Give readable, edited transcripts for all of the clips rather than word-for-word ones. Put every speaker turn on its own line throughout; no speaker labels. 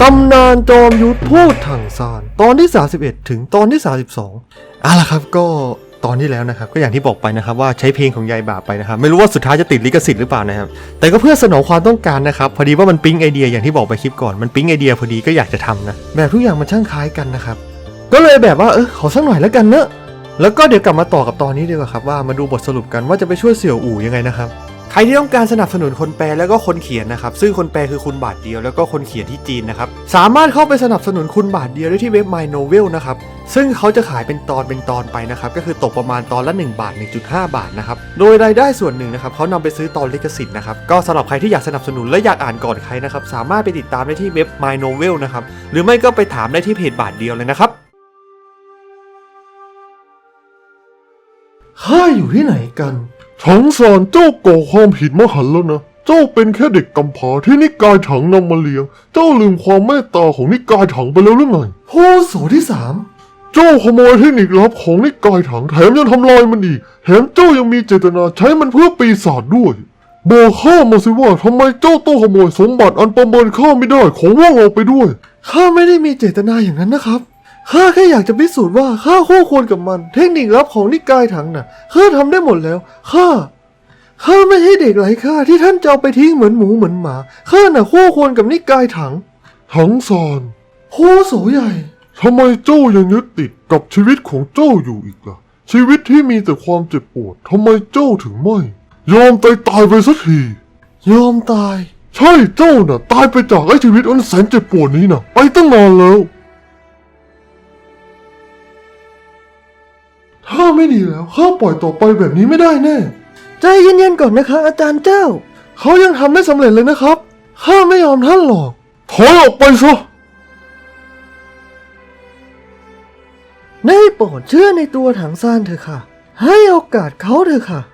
ำนานจอมยุทธพูดถังซานตอนที่31ถึงตอนที่32ล่ะครับก็ตอนนี้แล้วนะครับก็อย่างที่บอกไปนะครับว่าใช้เพลงของยายบาปไปนะครับไม่รู้ว่าสุดท้ายจะติดลิขสิทธิ์หรือเปล่านะครับแต่ก็เพื่อสนองความต้องการนะครับพอดีว่ามันปิ๊งไอเดียอย่างที่บอกไปคลิปก่อนมันปิ๊งไอเดียพอดีก็อยากจะทำนะแบบทุกอย่างมันช่างคล้ายกันนะครับก็เลยแบบว่าขอสักหน่อยแล้วกันเนอะแล้วก็เดี๋ยวกลับมาต่อกับตอนนี้ดีกว่าครับว่ามาดูบทสรุปกันว่าจะไปช่วยเสี่ยวอู่ยังไงนะครับใครที่ต้องการสนับสนุนคนแปลแล้วก็คนเขียนนะครับซึ่งคนแปลคือคุณบาทเดียวแล้วก็คนเขียนที่จีนนะครับสามารถเข้าไปสนับสนุนคุณบาทเดียวได้ที่เว็บ My Novel นะครับซึ่งเขาจะขายเป็นตอนไปนะครับก็คือตกประมาณตอนละ1 บาท 1.5 บาทนะครับโดยรายได้ส่วนหนึ่งนะครับเขานำไปซื้อตอนลิขสิทธิ์นะครับก็สำหรับใครที่อยากสนับสนุนและอยากอ่านก่อนใครนะครับสามารถไปติดตามได้ที่เว็บ My Novel นะครับหรือไม่ก็ไปถามได้ที่เพจบาทเดียวเลยนะครับข้าอยู่ที่ไหนกัน
ถังซานเจ้าก่อความผิดมหันต์แล้วนะเจ้าเป็นแค่เด็กกำพร้าที่นิกายถังนำมาเลี้ยงเจ้าลืมความเมตตาของนิกายถังไปแล้วหรือไง
ผู้โสที่3
เจ้าขโมยเทคนิคลับของนิกายถังแถมยังทำลายมันอีกแถมเจ้ายังมีเจตนาใช้มันเพื่อปีศาจด้วยบอกข้ามาสิว่าทำไมเจ้าต้องขโมยสมบัติอันประเมินค่าไม่ได้ของพวกเราไปด้วย
ข้าไม่ได้มีเจตนาอย่างนั้นนะครับข้าแค่อยากจะพิสูจน์ว่าข้าคู่ควรกับมันเทคนิคลับของนิกายถังน่ะข้าทำได้หมดแล้วข้าไม่ใช่เด็กไร้ค่าที่ท่านจะเอาไปทิ้งเหมือนหมูเหมือนหมาข้าน่ะคู่ควรกับนิกายถัง
ซาน
ผู้โสใหญ่
ทำไมเจ้ายังยึดติดกับชีวิตของเจ้าอยู่อีกล่ะชีวิตที่มีแต่ความเจ็บปวดทำไมเจ้าถึงไม่ยอมตายไปสักที
ยอมตาย
ใช่เจ้าน่ะตายไปจากไอ้ชีวิตอันแสนเจ็บปวดนี้น่ะไปตั้งนานแล้ว
ถ้าไม่ดีแล้วข้าปล่อยต่อไปแบบนี้ไม่ได้แน่ใจเย็นๆก่อนนะคะอาจารย์เจ้าเขายังทำไม่สำเร็จเลยนะครับข้าไม่ยอมท่านหรอก
ถอยออกไปซะ
ได้โปรดเชื่อในตัวถังซานเถอะค่ะให้โอกาสเขาเถอะค่ะ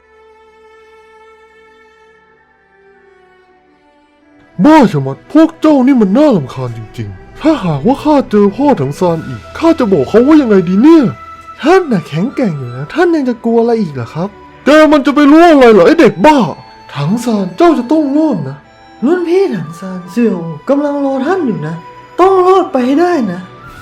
บ้าชะมัดพวกเจ้านี่มันน่ารำคาญจริงๆถ้าหากว่าข้าเจอพ่อถังซานอีกข้าจะบอกเขาว่ายังไงดีเนี่ย
ท่านน่ะแข็งแกร่งอยู่นะท่านยังจะกลัวอะไรอีกเหรอครับ
แกมันจะไปรู้อะไรเหรอไอเด็กบ้า
ถังซานเจ้าจะต้องรอดนะรุ่นพี่ถังซานเสี่ยวกำลังรอท่านอยู่นะต้องรอดไปให้ได้นะ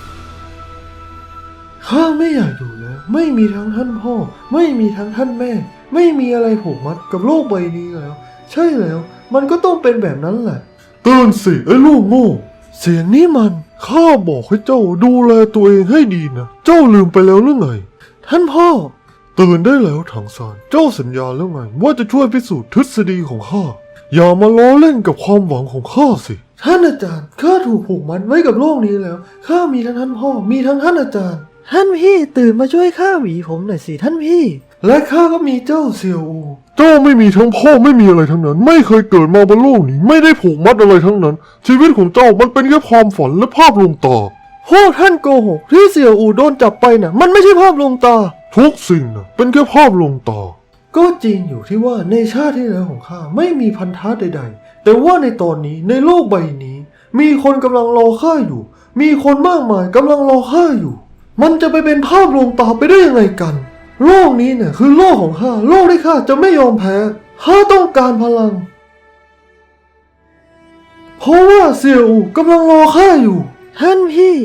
ข้าไม่อยากอยู่แล้วไม่มีทั้งท่านพ่อไม่มีทั้งท่านแม่ไม่มีอะไรผูกมัดกับโลกใบนี้แล้วใช่แล้วมันก็ต้องเป็นแบบนั้นแหละ
ตื่นสิไอ้ลูกโง่
เสียงนี้มัน
ข้าบอกให้เจ้าดูแลตัวเองให้ดีนะเจ้าลืมไปแล้วหรือไง
ท่านพ่อ
ตื่นได้แล้วถังซานเจ้าสัญญาแล้วไงว่าจะช่วยพิสูจน์ทฤษฎีของข้าอย่ามาล้อเล่นกับความหวังของข้าสิ
ท่านอาจารย์ข้าถูกผูกมัดไว้กับโลกนี้แล้วข้ามีทั้งท่านพ่อมีทั้งท่านอาจารย์ท่านพี่ตื่นมาช่วยข้าหวีผมหน่อยสิท่านพี่และข้าก็มีเจ้าเซียวอู
เจ้าไม่มีทั้งพ่อไม่มีอะไรทั้งนั้นไม่เคยเกิดมาบนโลกนี้ไม่ได้ผูกมัดอะไรทั้งนั้นชีวิตของเจ้ามันเป็นแค่ความฝันและภาพลวงตา
พวกท่านโกหกที่เสี่ยวอูโดนจับไปน่ะมันไม่ใช่ภาพลวงตา
ทุกสิ่งน่ะเป็นแค่ภาพลวงตา
ก็จริงอยู่ที่ว่าในชาติที่แล้วของข้าไม่มีพันธะใดๆแต่ว่าในตอนนี้ในโลกใบนี้มีคนกำลังรอข้าอยู่มีคนมากมายกำลังรอข้าอยู่มันจะไปเป็นภาพลวงตาไปได้ยังไงกันโลกนี้เนี่ยคือโลกของข้าโลกที่ข้าจะไม่ยอมแพ้ข้าต้องการพลังเพราะว่าเสี่ยวอูกำลังรอข้าอยู่ท่านพี่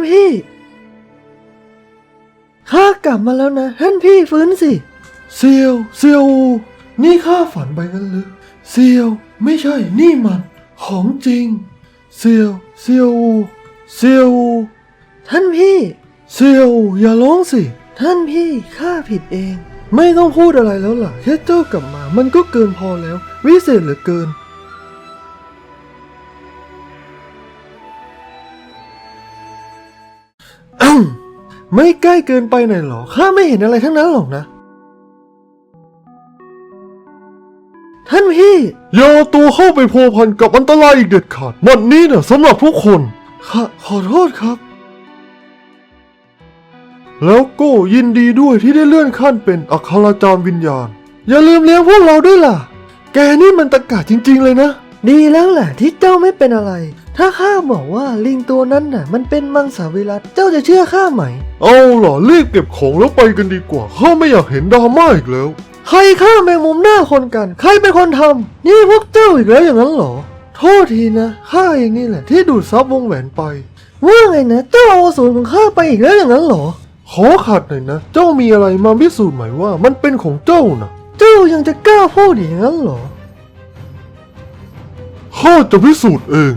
ข้ากลับมาแล้วนะท่านพี่ฟื้นสิเสี่ยวอูนี่ข้าฝันไปงั้นหรือเสี่ยวไม่ใช่นี่มันของจริงเสี่ยวอูท่านพี่เสี่ยวอูอย่าร้องสิท่านพี่ข้าผิดเองไม่ต้องพูดอะไรแล้วล่ะแค่เจ้ากลับมามันก็เกินพอแล้ววิเศษเหลือเกินไม่ใกล้เกินไปหน่อยหรอข้าไม่เห็นอะไรทั้งนั้นหรอกนะท่านพี่
อย่าตัวเข้าไปพัวพันกับอันตรายอีกเด็ดขาดวันนี้น่ะสำหรับทุกคน
ขอโทษครับ
แล้วก็ยินดีด้วยที่ได้เลื่อนขั้นเป็นอัคราจารย์วิญญาณ
อย่าลืมเลี้ยงพวกเราด้วยล่ะแกนี่มันตะกะจริงๆเลยนะดีแล้วแหละที่เจ้าไม่เป็นอะไรถ้าข้าบอกว่าลิงตัวนั้นน่ะมันเป็นมังสวิรัติเจ้าจะเชื่อข้าไหม
เอาล่ะรีบเก็บของแล้วไปกันดีกว่าข้าไม่อยากเห็นดราม่าอีกแล้ว
ใครฆ่าแมงมุมหน้าคนกันใครเป็นคนทำนี่พวกเจ้าอีกแล้วอย่างนั้นเหรอโทษทีนะข้าเองนี่แหละที่ดูดซับวงแหวนไปว่าไงนะเจ้าเอาอสูรของข้าไปอีกแล้วอย่างนั้นเหรอขอขัดหน่อยนะเจ้ามีอะไรมาพิสูจน์ไหมว่ามันเป็นของเจ้านะเจ้ายังจะกล้าพูดอย่างนั้นเหรอ
ข้าจะพิสูจน์เอง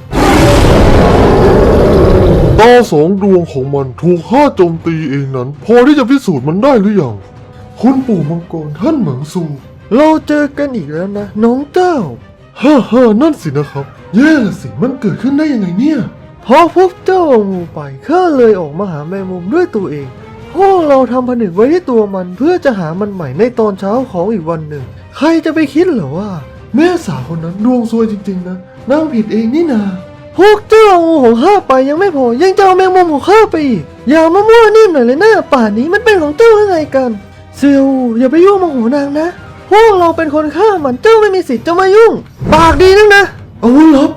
ตาสองดวงของมันถูกข้าโจมตีเองนั้นพอที่จะพิสูจน์มันได้หรือยังคุณปู่มังกรท่านเหมิงซูเราเจอกันอีกแล้วนะน้องเจ้าฮ่านั่นสินะครับแย่ละสิมันเกิดขึ้นได้ยังไงเนี่ย
พอพวกเจ้าเอางูไปข้าเลยออกมาหาแมงมุมด้วยตัวเองพวกเราทำผนึกไว้ที่ตัวมันเพื่อจะหามันใหม่ในตอนเช้าของอีกวันหนึ่งใครจะไปคิดเหรอว่าแม่สาวคนนั้นดวงซวยจริงๆนะนางผิดเองนี่นาพวกเจ้าเอางูของข้าไปยังไม่พอยังจะเอาแมงมุมของข้าไปอีกอย่ามามั่วนิ่มหน่อยเลยนะป่านนี้มันเป็นของเจ้ายังไงกันเซียวอย่าไปยุ่งโมโหนางนะพวกเราเป็นคนฆ่ามันเจ้าไม่มีสิทธิ์จะมายุ่งปากดีนักนะ
อาวุธลับ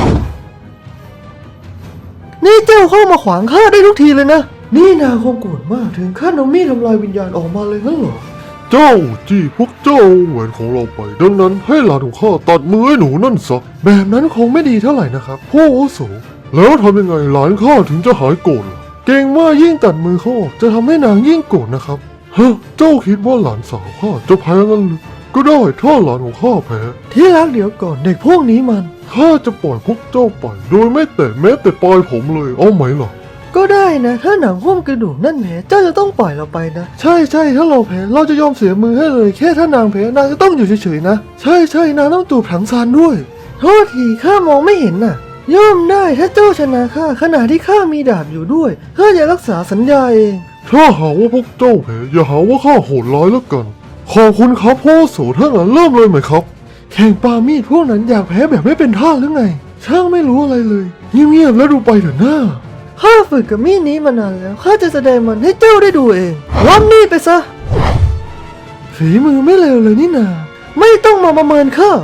นี่เจ้าเข้ามาขวางข้าได้ทุกทีเลยนะนี่นางคงโกรธมากถึงขั้นเอามีดทำลายวิญญาณออกมาเลยงั้นเหรอ
เจ้าจี้พวกเจ้าแหวนของเราไปดังนั้นให้หลานของข้าตัดมือให้หนูนั่นซะ
แบบนั้นคงไม่ดีเท่าไหร่นะครับ
พ่ออาวุโสแล้วทำยังไงหลานข้าถึงจะหายโกรธล่ะ
เก่งว่ายิ่งตัดมือเขาออกจะทำให้นางยิ่งโกรธนะครับ
เจ้าคิดว่าหลานสาวข้าจะแพ้งั้นหรือก็ได้ถ้าหลานของข้าแพ้
ที่รักเดี๋ยวก่อนเด็กพวกนี้มัน
ข้าจะปล่อยพวกเจ้าไปโดยไม่แตะแม้แต่ปลายผมเลยเอาไหมล่ะ
ก็ได้นะถ้าหนังหุ้มกระดูกนั่นแผลเจ้าจะต้องปล่อยเราไปนะใช่ถ้าเราแพ้เราจะยอมเสียมือให้เลยแค่ถ้านางแพ้นางจะต้องอยู่เฉยๆนะใช่นางต้องจูบถังซานด้วยโทษทีข้ามองไม่เห็นน่ะย่อมได้ถ้าเจ้าชนะข้าขณะที่ข้ามีดาบอยู่ด้วยข้าจะรักษาสัญญาเอง
ถ้าหาว่าพวกเจ้าแพ้อย่าหาว่าข้าโหดร้ายแล้วกันขอบคุณครับพ่อโสถ้างั้นเริ่มเลยไหมครับ
แข่งปามีดพวกนั้นอยากแพ้แบบไม่เป็นท่าหรือไงช่างไม่รู้อะไรเลยเงียบๆแล้วดูไปเถอะหน้าข้าฝึกกับมีดนี้มานานแล้วข้าจะแสดงมันให้เจ้าได้ดูเองรับมีดไปซะฝีมือไม่เลวเลยนี่นาไม่ต้องมาประเมินข้า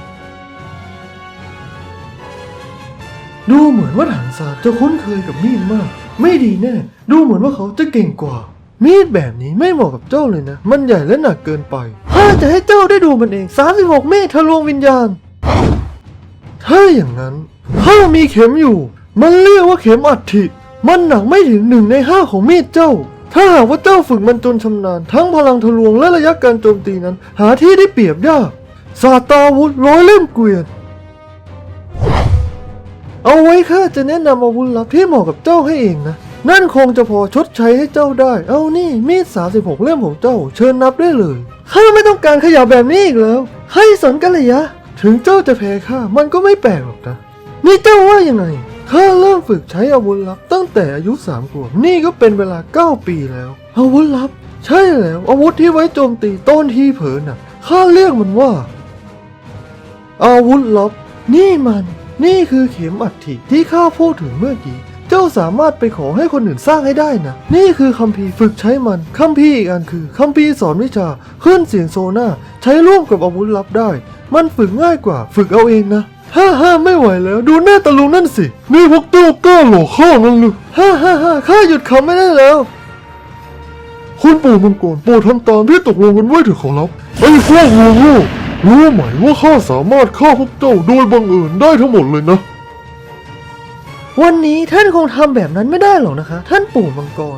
ดูเหมือนว่าถังซานจะคุ้นเคยกับมีดมากไม่ดีแน่ดูเหมือนว่าเขาจะเก่งกว่ามีดแบบนี้ไม่เหมาะกับเจ้าเลยนะมันใหญ่และหนักเกินไปข้าจะให้เจ้าได้ดูมันเอง36เมตรทะลวงวิญญาณถ้าอย่างนั้นข้ามีเข็มอยู่มันเรียกว่าเข็มอัฐิมันหนักไม่ถึง1 ใน 5ของมีดเจ้าถ้าหากว่าเจ้าฝึกมันจนชำนาญทั้งพลังทะลวงและระยะการโจมตีนั้นหาที่ได้เปรียบยากศาสตราวุธ100 เล่มเกวียนเอาไว้ข้าจะแนะนำอาวุธลับที่เหมาะกับเจ้าให้เองนะนั่นคงจะพอชดใช้ให้เจ้าได้เอานี่มีด36 เล่มของเจ้าเชิญนับได้เลยข้าไม่ต้องการขยับแบบนี้อีกแล้วให้สนกันเลยยะถึงเจ้าจะแพ้ข้ามันก็ไม่แปลกหรอกนะนี่เจ้าว่ายังไงข้าเริ่มฝึกใช้อาวุธลับตั้งแต่อายุ3 ขวบนี่ก็เป็นเวลา9 ปีแล้วอาวุธลับใช่แล้วอาวุธที่ไว้โจมตีต้นที่เผลอน่ะข้าเรียกมันว่าอาวุธลับนี่คือเข็มอัฐิที่ข้าพูดถึงเมื่อกี้เจ้าสามารถไปขอให้คนอื่นสร้างให้ได้นะนี่คือคัมภีร์ฝึกใช้มันคัมภีร์อีกอันคือคัมภีร์สอนวิชาคลื่นเสียงโซน่าใช้ร่วมกับอาวุธลับได้มันฝึกง่ายกว่าฝึกเอาเองนะฮ่าไม่ไหวแล้วดูหน้าตะลุงนั่นสิ
นี่พวกเจ้ากล้าหลอกข้างั้นหรือ
ฮ่าข้าหยุดคำไม่ได้แล้ว
คุณปู่มังกรโปรดทำตามที่ตกลงกันไว้เถอะขอรับไอ้พวกโง่รู้ไหมว่าข้าสามารถฆ่าพวกเจ้าโดยบังเอิญได้ทั้งหมดเลยนะ
วันนี้ท่านคงทำแบบนั้นไม่ได้หรอกนะคะท่านปู่มังกร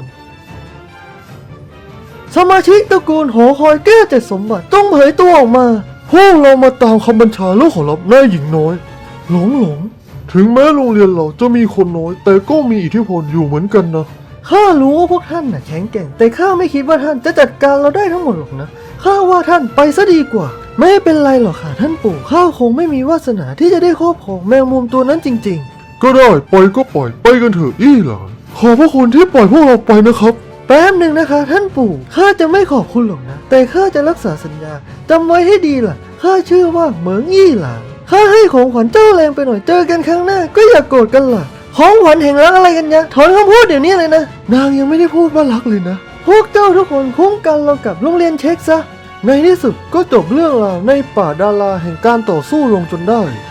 สมาชิกตระกูลหอคอยแก้ว7 สมบัติต้องเผยตัวออกมา
พวกเรามาตามคำบัญชาแล้วขอรับนายหญิงน้อยหลงถึงแม้โรงเรียนเราจะมีคนน้อยแต่ก็มีอิทธิพลอยู่เหมือนกันนะ
ข้ารู้ว่าพวกท่านน่ะแข็งแกร่งแต่ข้าไม่คิดว่าท่านจะจัดการเราได้ทั้งหมดหรอกนะข้าว่าท่านไปซะดีกว่าไม่เป็นไรหรอกค่ะท่านปู่ข้าคงไม่มีวาสนาที่จะได้ครอบครองแมงมุมตัวนั้นจริงๆ
ก็ได้ปล่อยก็ปล่อยไปกันเถอะอี้หลานขอบพระคุณที่ปล่อยพวกเราไปนะครับ
แป๊บหนึ่งนะคะท่านปู่ข้าจะไม่ขอบคุณหรอกนะแต่ข้าจะรักษาสัญญาจำไว้ให้ดีล่ะข้าชื่อว่าเหมิงอี้หลานข้าให้ของขวัญเจ้าแรงไปหน่อยเจอกันครั้งหน้าก็อย่าโกรธกันล่ะของขวัญแห่งรักอะไรกันยะถอนคำพูดเดี๋ยวนี้เลยนะนางยังไม่ได้พูดว่ารักเลยนะพวกเจ้าทุกคนคุ้มกันเรากับโรงเรียนเช็คซะในที่สุดก็จบเรื่องราวในป่าดาราแห่งการต่อสู้ลงจนได้